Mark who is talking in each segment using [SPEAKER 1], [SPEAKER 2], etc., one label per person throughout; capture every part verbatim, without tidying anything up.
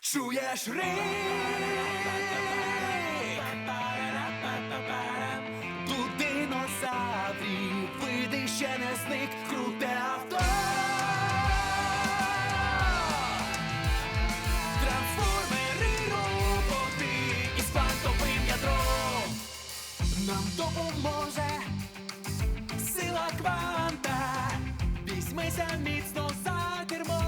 [SPEAKER 1] Чуєш рик? Тут динозаврів, види ще не зник, круте авто. Трансформери роботи із квантовим ядром. Нам допоможе сила кванта. Візьмися міцно за кермо.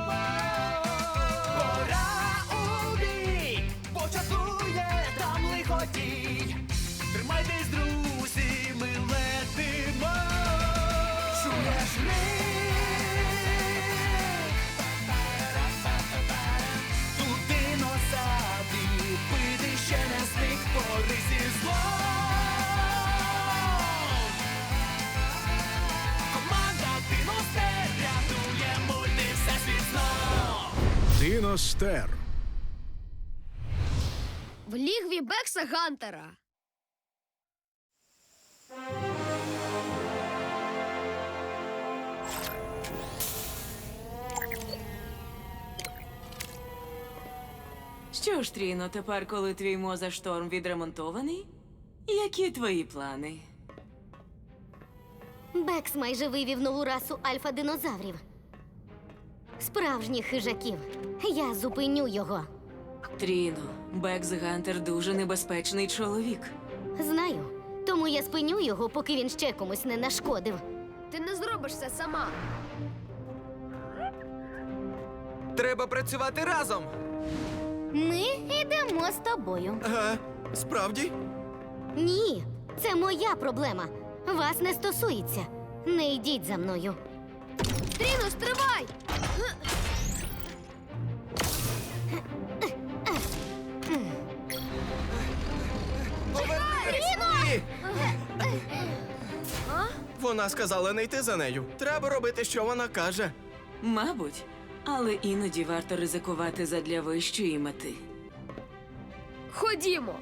[SPEAKER 1] Тримайтесь, друзі, ми летимо. Чуєш рик? Тут динозаврів, види ще не зник, бори зі злом. Команда Диностер рятує мульти всесвіт знов.
[SPEAKER 2] Диностер.
[SPEAKER 3] В лігві Бекса Гантера.
[SPEAKER 4] Що ж, Тріно, тепер, коли твій мозашторм відремонтований, які твої плани?
[SPEAKER 5] Бекс майже вивів нову расу альфа-динозаврів. Справжніх хижаків. Я зупиню його.
[SPEAKER 4] Тріно, Бекс Гантер дуже небезпечний чоловік.
[SPEAKER 5] Знаю. Тому я спиню його, поки він ще комусь не нашкодив.
[SPEAKER 3] Ти не зробиш це сама.
[SPEAKER 6] Треба працювати разом.
[SPEAKER 5] Ми йдемо з тобою.
[SPEAKER 6] Ага, справді?
[SPEAKER 5] Ні, це моя проблема. Вас не стосується. Не йдіть за мною.
[SPEAKER 3] Тріно, стривай!
[SPEAKER 6] Ні! Вона сказала не йти за нею. Треба робити, що вона каже.
[SPEAKER 4] Мабуть, але іноді варто ризикувати задля вищої мети.
[SPEAKER 3] Ходімо!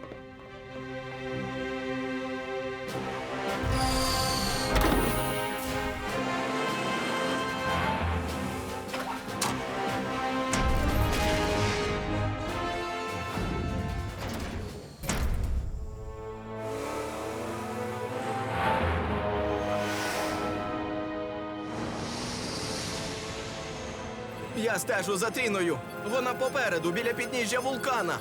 [SPEAKER 6] Я стежу за Тріною. Вона попереду, біля підніжжя вулкана.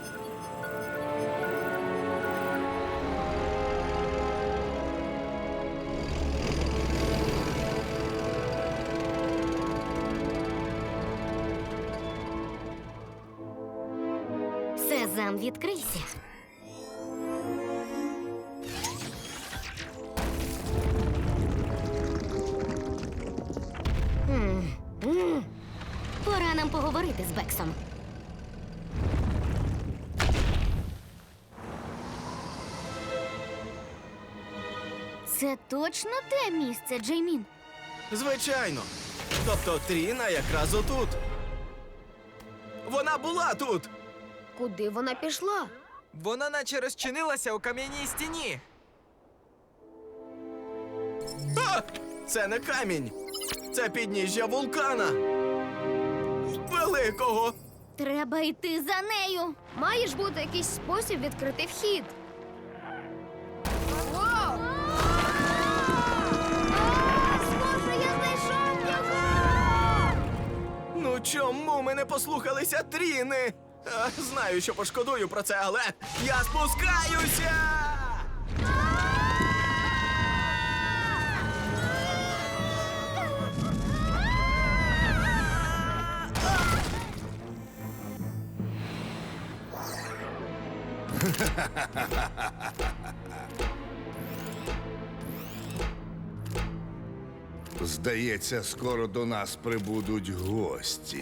[SPEAKER 5] Сезам, відкрийся. М, м. Пора нам поговорити з Бексом. Це точно те місце, Джеймін?
[SPEAKER 6] Звичайно. Тобто Тріна якраз отут. Вона була тут.
[SPEAKER 3] Куди вона пішла?
[SPEAKER 7] Вона наче розчинилася у кам'яній стіні.
[SPEAKER 6] А! Це не камінь. Це підніжжя вулкана. Великого.
[SPEAKER 5] Треба йти за нею.
[SPEAKER 3] Має ж бути якийсь спосіб відкрити вхід. Воу! А, схоже, я знайшов його!
[SPEAKER 6] Ну чому ми не послухалися Тріни? А, знаю, що пошкодую про це, але я спускаюся!
[SPEAKER 2] Здається, скоро до нас прибудуть гості.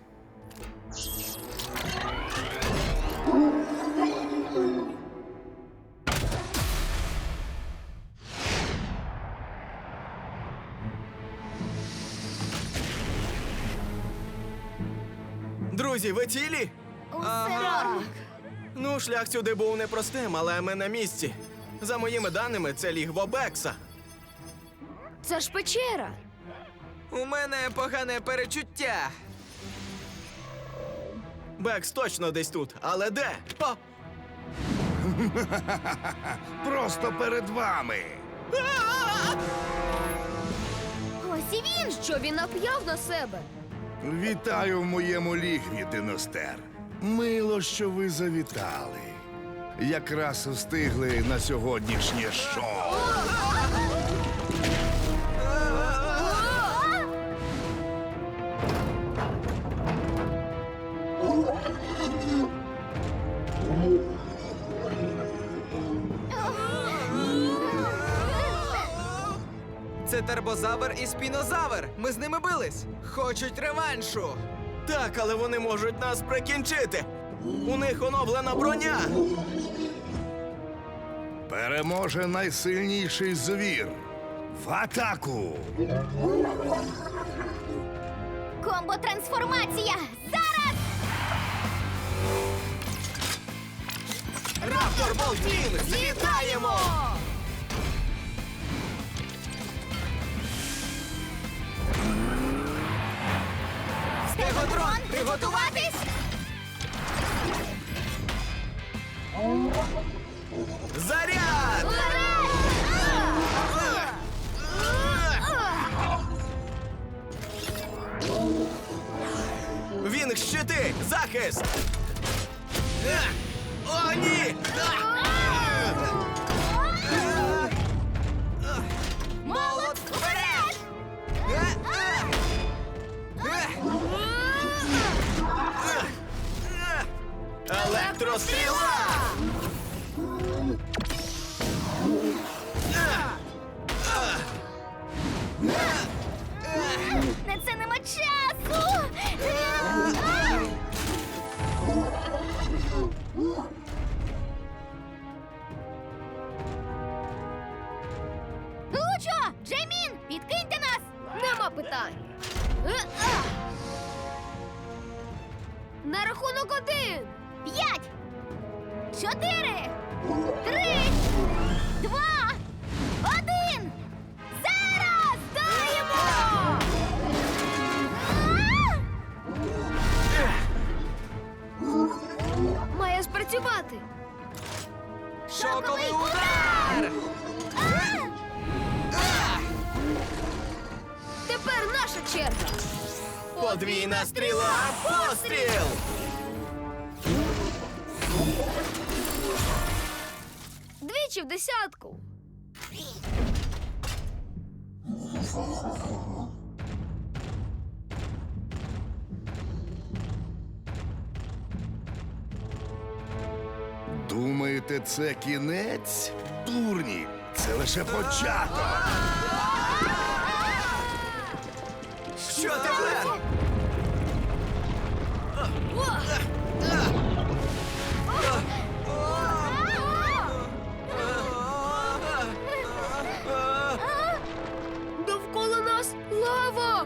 [SPEAKER 6] Друзі, ви цілі?
[SPEAKER 5] Усе.
[SPEAKER 6] Ну, шлях сюди був непростим, але ми на місці. За моїми даними, це лігво Бекса.
[SPEAKER 3] Це ж печера.
[SPEAKER 7] У мене погане перечуття.
[SPEAKER 6] Бекс точно десь тут, але де? О!
[SPEAKER 2] Просто перед вами.
[SPEAKER 5] Ось і він!
[SPEAKER 3] Що він нап'яв на себе?
[SPEAKER 2] Вітаю в моєму лігві, Диностер. Мило, що ви завітали. Якраз встигли на сьогоднішнє шоу.
[SPEAKER 7] Це тербозавр і спінозавр. Ми з ними бились. Хочуть реваншу.
[SPEAKER 6] Так, але вони можуть нас прикінчити. У них оновлена броня.
[SPEAKER 2] Переможе найсильніший звір. В атаку!
[SPEAKER 5] Комбо-трансформація! Зараз!
[SPEAKER 6] Раптор Болтін! Злітаємо!
[SPEAKER 5] Стеготрон, приготуватись!
[SPEAKER 6] Заряд! Він щити! Захист! Е! О, ні!
[SPEAKER 5] Молот вперед!
[SPEAKER 6] Електростріла!
[SPEAKER 5] На це нема часу! Лучо! Джеймін! Підкиньте нас!
[SPEAKER 3] Нема питань. Е-а! На рахунок один.
[SPEAKER 5] П'ять! Чотири! Три! Два! Один! Зараз!
[SPEAKER 3] Даємо! Має спрацювати.
[SPEAKER 7] Шоковий удар!
[SPEAKER 3] Тепер наша черга.
[SPEAKER 6] Подвійна стріла! Постріл!
[SPEAKER 3] Двічі в десятку.
[SPEAKER 2] Думаєте, це кінець? Дурні! Це лише початок.
[SPEAKER 6] Що тепер?
[SPEAKER 3] Довкола нас лава.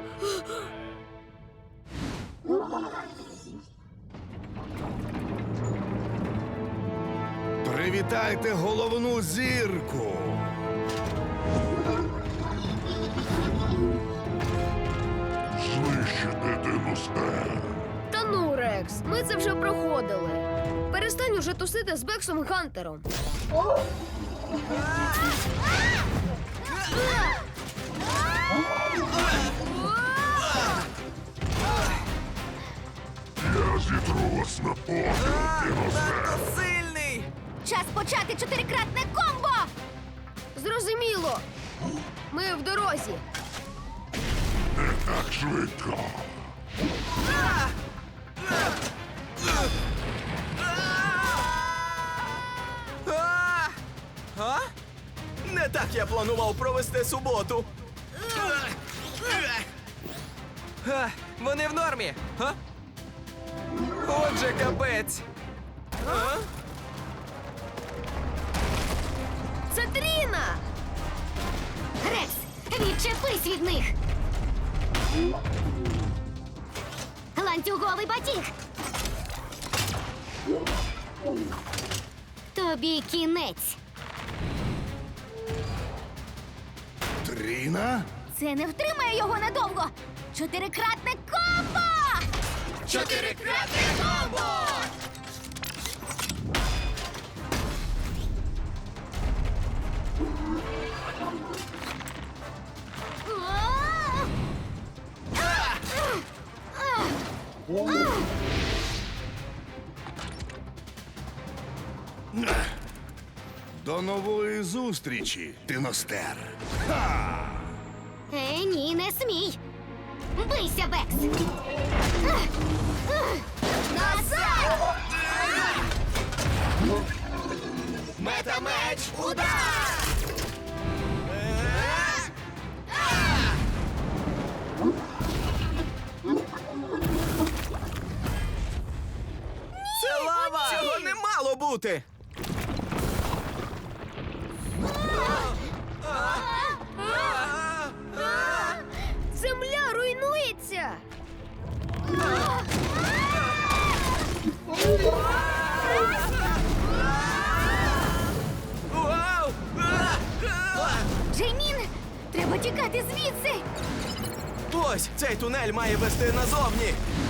[SPEAKER 2] Привітайте головну зірку. Знищити Диностер.
[SPEAKER 3] Та ну, Рекс, ми це вже проходили. Перестань уже тусити з Бексом Гантером.
[SPEAKER 2] Я зітру вас на подив,
[SPEAKER 7] Надто сильний!
[SPEAKER 5] Час почати чотирикратне комбо!
[SPEAKER 3] Зрозуміло. Ми в дорозі.
[SPEAKER 2] Так швидко.
[SPEAKER 6] А! А? Не так я планував провести суботу.
[SPEAKER 7] Ха, вони в нормі. Га? Отже, капець.
[SPEAKER 6] А?
[SPEAKER 3] Це Тріна!
[SPEAKER 5] Рекс, відчепись від них! Ланцюговий батіг! Тобі кінець.
[SPEAKER 2] Тріна?
[SPEAKER 5] Це не втримає його надовго. Чотирикратне комбо!
[SPEAKER 6] Чотирикратне комбо!
[SPEAKER 2] До нової зустрічі, Диностер.
[SPEAKER 5] Е, ні, не смій. Бийся, Бекс. Назад!
[SPEAKER 6] Метамеч, удар! Це лава! Цього не мало бути!
[SPEAKER 3] Земля руйнується!
[SPEAKER 6] Вау!
[SPEAKER 5] Джеймін, треба тікати звідси.
[SPEAKER 6] Ось цей тунель має вести назовні!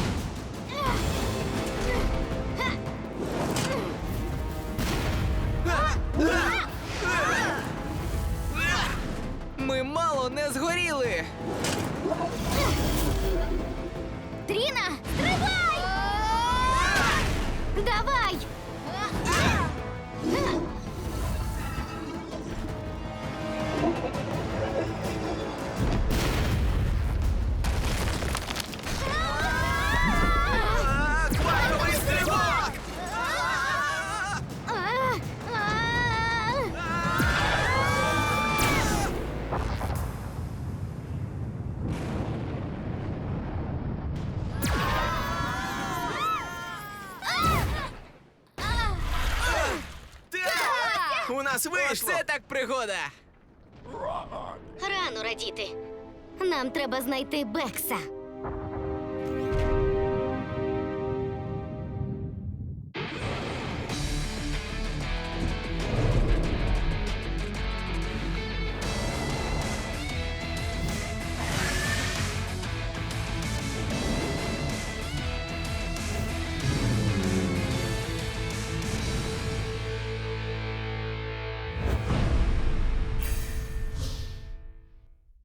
[SPEAKER 7] Ми мало не згоріли.
[SPEAKER 5] Тріна, стривай! Давай!
[SPEAKER 6] А, Квантовий стрибок!
[SPEAKER 5] А, а.
[SPEAKER 6] Так! У нас вийшло!
[SPEAKER 7] Оце так пригода.
[SPEAKER 5] Рано радіти. Нам треба знайти Бекса.